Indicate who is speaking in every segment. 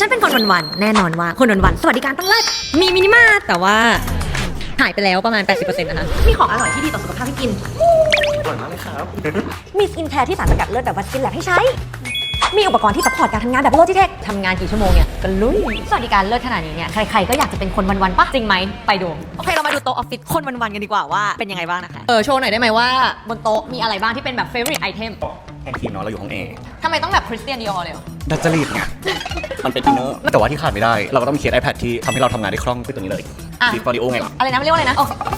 Speaker 1: ฉันเป็นคนวันๆแน่นอนว่าคนวันๆสวัสดิการต้องเลิศมีมินิมาร์ทแต่ว่าหายไปแล้วประมาณ 80% นะคะมีของอร่อยที่ดีต่อสุขภาพให้กิน
Speaker 2: อร่อยมากเลยครับ
Speaker 1: มีสกินแคร์ที่สารสกัดเลิศแบบวัสกินแลบให้ใช้ มีอุปกรณ์ที่ซัพพอร์ตการทำงานแบบโลจิเทคทำงานกี่ชั่วโมงเนี่ยก็ลุยสวัสดิการเลิศขนาดนี้เนี่ยใครๆก็อยากจะเป็นคนวันๆปะจริงไหมไปดูโอเคเรามาดูโต๊ะออฟฟิศคนวันๆกันดีกว่าว่าเป็นยังไงบ้างนะคะโชว์หน่อยได้ไหมว่าบนโต๊ะมีอะไรบ้างที่เป็นแบบ favorite item
Speaker 2: ห้องทีมเนาะเราอยู่ห้องเอ
Speaker 1: ทำไมต้องแบบคริสเตียนดิออร์เลยเหรอ
Speaker 2: ดัจจริตไงมันเป็นอินเนอร์แต่ว่าที่ขาดไม่ได้เราก็ต้องมีเคส iPad ที่ทำให้เราทำงานได้คล่องคือตัวนี้เลย Fit for Audio ไงล่ะ
Speaker 1: อะไรนะเรียกว่าอะไรนะ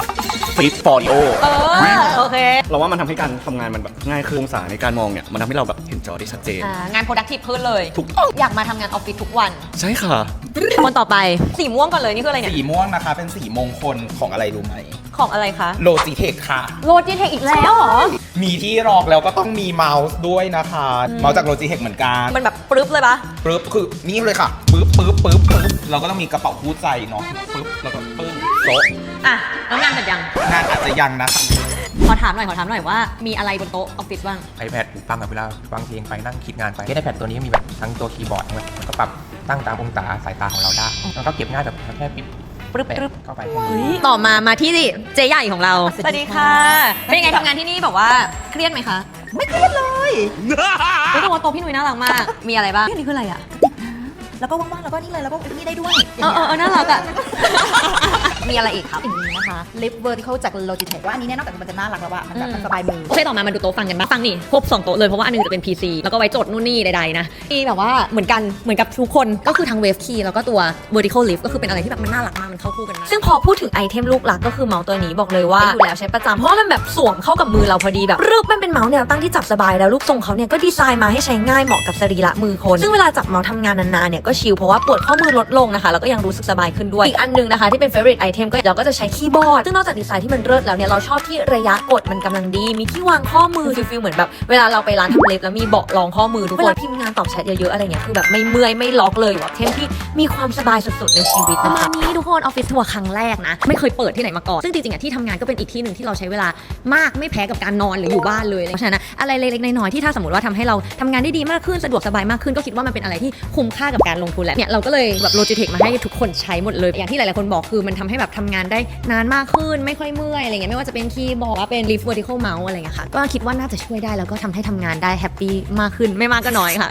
Speaker 2: Fit for Audio
Speaker 1: โอเค
Speaker 2: เราว่ามันทำให้การทำงานมันแบบง่ายขึ้นองศาในการมองเนี่ยมันทำให้เราแบบเห็นจอได้ชัดเจน
Speaker 1: งาน productive ขึ้นเลย
Speaker 2: ถูกต้อง
Speaker 1: อยากมาทำงานออฟฟิศทุกวัน
Speaker 2: ใช่ค่ะ
Speaker 1: คนต่อไปสีม่วงก่อนเลยนี่คืออะไรเนี่ย
Speaker 3: สีม่วงนะคะเป็นสีมงคลของอะไรรู้ไหม
Speaker 1: ของอะไรคะ
Speaker 3: โลจิเทคค่ะ
Speaker 1: โลจิเทคอีกแล้วเหรอ
Speaker 3: มีที่รองแล้วก็ต้องมีเมาส์ด้วยนะคะ เมาส์จากโลจิเทคเหมือนกัน
Speaker 1: มันแบบปรึ๊บเลยปะ
Speaker 3: ปึ๊บคือนี่เลยค่ะปึ๊บปึ๊บปึ๊บปึ๊บเราก็ต้องมีกระเป๋าคู่ใจเนาะปึ๊บแล้วก็ปึ้งโต๊ะ
Speaker 1: แล้วงานเสร็จยัง
Speaker 3: งานอาจจะยังนะคะ
Speaker 1: ขอถามหน่อยว่ามีอะไรบนโต๊ะออฟฟิศบ้าง
Speaker 4: iPad หูฟังกับเวลาฟังเพลงไปนั่งคิดงานไปที่ iPad ตัวนี้มีแบบทั้งตัวคีย์บอร์ดด้วยมันก็ปรับตั้งตามองศาสายตาของเราได้แล้วก็เก็บง่ายแบบแค่ปิด
Speaker 1: ปรึ๊บ
Speaker 4: แปะ
Speaker 1: ปรึ๊บ
Speaker 4: เข้าไป
Speaker 1: ต่อมาที่เจ๊ใหญ่ของเรา สวัสดีค่ะ เป็นยังไงทำงานที่นี่แบบว่าเครียดไหมคะ ไม่เครียดเลยรู้สึกว่าโต๊ะพี่นุ้ยน่ารักมาก มีอะไรบ้างนี่คืออะไรอ่ะ
Speaker 5: แล้วก็ว่างๆแล้วก็นี่เลยแล้วก็นี่ได้ด้วย
Speaker 1: น่ารักอ่ะ มีอะไรอีกครับ
Speaker 5: อย่างนี้นะคะ ลิฟต์ vertical จาก Logitech ว่าอันนี้เนี่ยนอกจากมันจะน่ารักแล้วอะมันแบบมันสบายมือ
Speaker 1: โอเคต่อมาดูโต๊ะฟังกันบ้างฟังนี่ครบ2โต๊ะเลยเพราะว่าอันนึงจะเป็น PC แล้วก็ไว้จดนู่นนี่ใดๆนะที่แบบว่าเหมือนกับทุกคนก็คือทั้ง Wave Key แล้วก็ตัว Vertical Lift ก็คือเป็นอะไรที่แบบมันน่ารักมากมันเข้าคู่กันมากซึ่งพอพูดถึงไอเทมลูกหลักก็คือเมาส์ตัวนี้บอกเลยว่าอยู่แล้วใช้ประจำเพราะว่ามันแบบสวมเข้ากับมือเราพอดีแบบรูปมันเป็นเมาส์แนวตั้งที่จับสบายแล้วรูปทรงเขาเนี่ยก็ดีไซน์มาให้ใช้ง่ายเหมาะกับสรีระมือคนซึ่งเวลาจับเมาส์ทำงานนานๆเนี่ยก็ชิลเพราะว่าปวดข้อมือลดลงนะคะแล้วก็ยังรู้สึกสบายขึ้นด้วยอีกอันนึงนะคะที่เป็น favorite item ก็เราก็จะใช้คีย์บอร์ดซึ่งนอกจากดีไซน์ที่มันเลิศแล้วเนี่ยเราชอบที่ระยะกดมันกำลังดีมีที่วางข้อมือฟิลเหมือนแบบเวลาเราไปร้านทำเล็บแล้วมีเบาะรองข้อมือทุกคนเวลาพิมพ์งานตอบแชทเยอะๆอะไรเงี้ยคือแบบไม่เมื่อยไม่ล็อกเลยแบบเทมที่มีความสบายสุดๆในชีวิตนะคะนี้ทุกคนออฟฟิศทัวร์ครั้งแรกนะไม่เคยเปิดที่ไหนมาก่อนซึ่งจริงๆอ่ะที่ทำงานก็เป็นอีกที่หนึ่งที่เราใช้เวลามากไม่แพ้กับการนอนหรืออยู่บ้านเลยเพราะฉะนั้นอะไรเล็กๆน้อยๆที่ถ้าสมมติว่าทำให้เราทำงานได้ดีมากขึ้นสะดวกสบายมากขึ้นก็คิดว่ามันเป็นอะไรที่คุ้มค่ากับการลงทุนแหละเนี่ยเราก็เลยแบบ Logitech มาให้ทุกคนใช้หมดเลยอย่างที่หลายๆคนบอกคือมันทำให้แบบทำงานได้นานมากขึ้นไม่ค่อยเมื่อยอะไรเงี้ยไม่ว่าจะเป็นคีย์บอร์ดเป็น Lift Vertical Mouse อะไรเงี้ยค่ะก็คิดว่าน่าจะช่วยได้แล้วก็ทำให้ทำงานได้แฮปปี้มากขึ้นไม่มากก็น้อยค่ะ